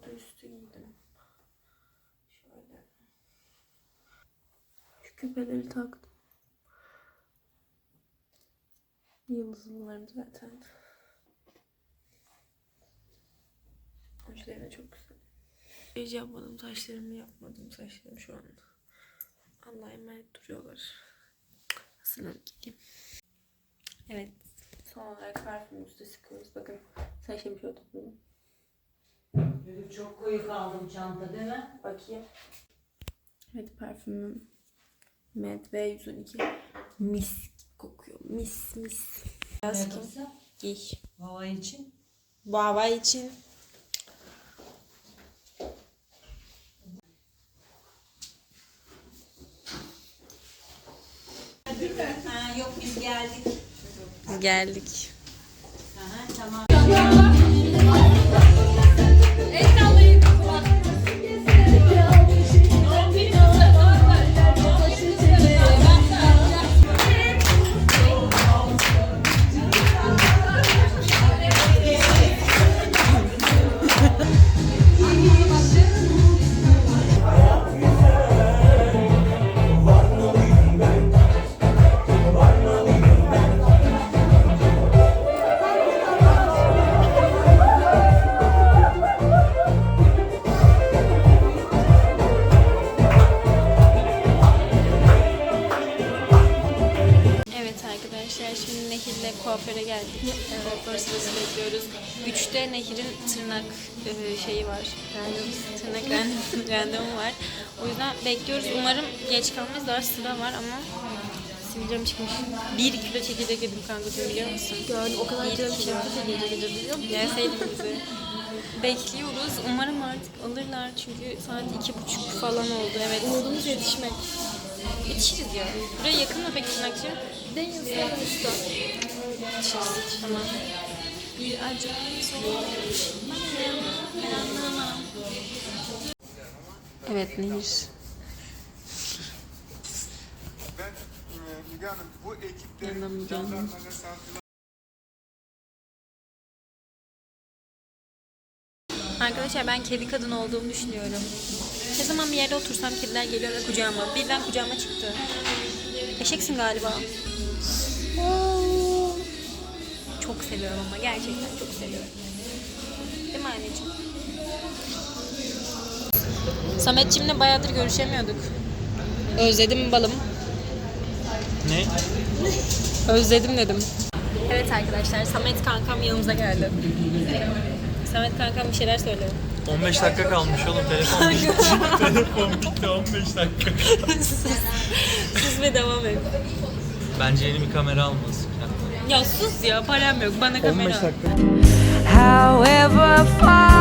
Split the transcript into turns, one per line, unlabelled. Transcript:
Orada üstü giydim. Şöyle. Şu küpeleri taktım. Yıldızlılarım zaten. Uçları çok güzel. Hiç yapmadım saçlarımı yapmadım. Saçlarım şu an Allah'a emanet duruyorlar. Hazırlanıp gideyim. Evet. Son olarak parfümümüzü sıkıyoruz. Bakın saçlarımı şöyle topladım.
Çok koyu kaldım çanta değil mi?
Bakayım. Evet parfümüm. Med V112. Mis kokuyor. Mis mis. Biraz kim? Giy.
Hava için.
Bu hava için.
Ha, yok biz geldik.
Geldik.
Aha, tamam.
Şimdi Nehir'le kuaföre geldik. Kuaför sırası bekliyoruz. 3'te Nehir'in tırnak şeyi var. Tırnak randevu var. O yüzden bekliyoruz. Umarım geç kalmayız. Daha sıra var ama sivilcem çıkmış. 1 kilo çekirdek yedim kankacığım biliyor musun?
Gördüm o kadar canım çekirdek yedim biliyor musun?
Gelseydin bizi. Bekliyoruz. Umarım artık alırlar çünkü saat 2:30 falan oldu. Evet.
Umudumuz yetişmek.
Yetişiriz ya. Buraya yakın mı peki tırnakçı?
Deniz sonuçta.
Yetişiriz. Tamam. Bir acı. Evet Nehir.
Ben Müge Hanım bu ekiplerin
Yanına Müge Hanım.
jandarma mesafeli
Arkadaşlar ben kedi kadın olduğumu düşünüyorum. Ne zaman bir yerde otursam kediler geliyor ve kucağıma. Birden kucağıma çıktı. Eşeksin galiba. Çok seviyorum ama gerçekten çok seviyorum. Değil mi anneciğim? Sametciğimle bayağıdır görüşemiyorduk. Özledim balım.
Ne?
Özledim dedim. Evet arkadaşlar Samet kankam yanımıza geldi. Samet kankam bir şeyler söylüyor.
15 dakika kalmış oğlum telefon bitti. Telefon bitti 15 dakika.
Sus ve devam et.
Bence yeni bir kamera almalısın.
Ya sus ya param yok bana kamera.
15 dakika.
However far